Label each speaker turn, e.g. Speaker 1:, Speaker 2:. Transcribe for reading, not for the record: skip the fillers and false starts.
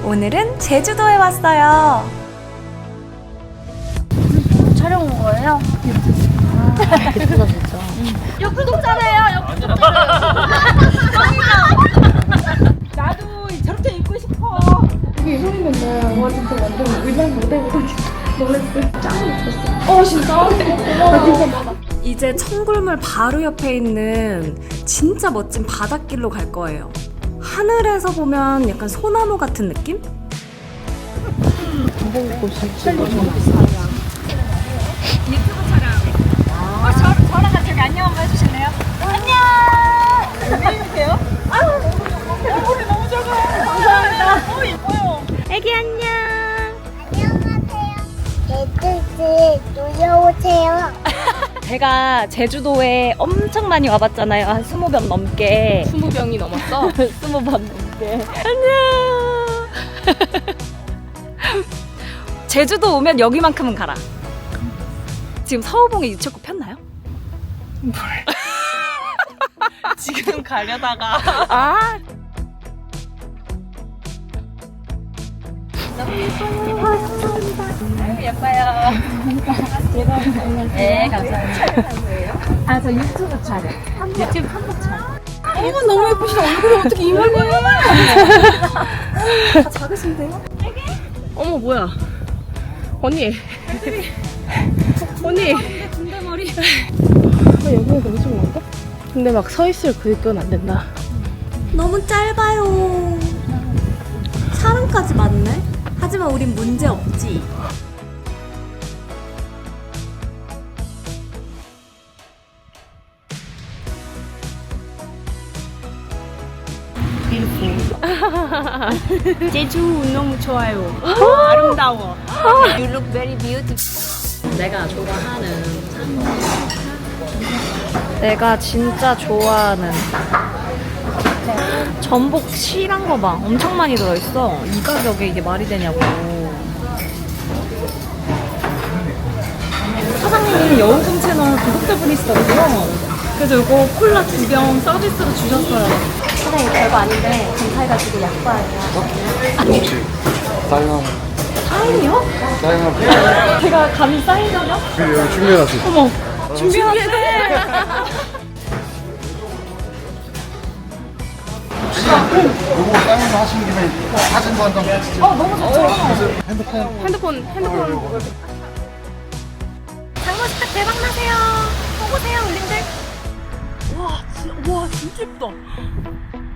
Speaker 1: 오늘은 제주도에 왔어요.
Speaker 2: 촬영 온 거예요?
Speaker 3: 예쁘다 진짜.
Speaker 2: 역구독자래요.
Speaker 4: 나도 저렇게 입고 싶어.
Speaker 2: 이게 형이 맨날 와 진짜 완전 의상 모델이고 놀랬어. 짱 예뻤어. 진짜? 나 진짜 많아.
Speaker 1: 이제 청굴물 바로 옆에 있는 진짜 멋진 바닷길로 갈 거예요. 하늘에서 보면 약간 소나무 같은 느낌?
Speaker 3: 한복 진짜
Speaker 4: 유튜브 촬영. 저랑 같이 여기 안녕 한번 해주실래요? 안녕. 안녕하세요. 얼굴이 너무 작아요. 감사합니다. 예뻐요.
Speaker 1: 애기 안녕.
Speaker 2: 안녕하세요. 놀러오세요.
Speaker 1: 제가 제주도에 엄청 많이 와봤잖아요. 한 20번 넘게.
Speaker 3: 20병이 넘었어?
Speaker 1: 20번 넘게. 안녕. 제주도 오면 여기만큼은 가라. 지금 서우봉에 유채꽃 폈나요?
Speaker 3: 지금 가려다가
Speaker 1: 아.
Speaker 4: 예뻐요. 네, 감사합니다. 아, 저 유튜브 촬영. 유튜브 한복 촬영.
Speaker 3: 어머 너무 예쁘시다. 얼굴이 어떻게 이만해?
Speaker 1: 다 작으신데요?
Speaker 3: 어머 뭐야? 언니. 언니.
Speaker 4: 군대 머리.
Speaker 3: 여기가 너무 좀 많다? 근데 막 서 있을 그건 안 된다.
Speaker 1: 너무 짧아요. 사람까지 많네. 하지만 우린 문제 없지.
Speaker 4: 제주 너무 좋아요. 아름다워. You look very beautiful.
Speaker 1: 내가 진짜 좋아하는 전복 실한 거 봐. 엄청 많이 들어있어. 이 가격에 이게 말이 되냐고. 사장님이 여우금 채널 구독자분이시더라고요. 그래서 이거 콜라 2병 서비스로 주셨어요. 사장님 별거 아닌데 감사해가지고 약과예요.
Speaker 5: 혹시 사인한
Speaker 1: 사인이요?
Speaker 5: 사인한
Speaker 1: 제가 감히 사인하요?
Speaker 5: 여기 준비해놨어요.
Speaker 1: 어머 준비해놨네.
Speaker 5: 요거 사인 하신 김에 사진도 한 장 찍으세요.
Speaker 1: 너무 좋죠.
Speaker 3: 핸드폰.
Speaker 1: 장모식탁 대박나세요. 오세요 울림들.
Speaker 4: 와, 진짜 예쁘다.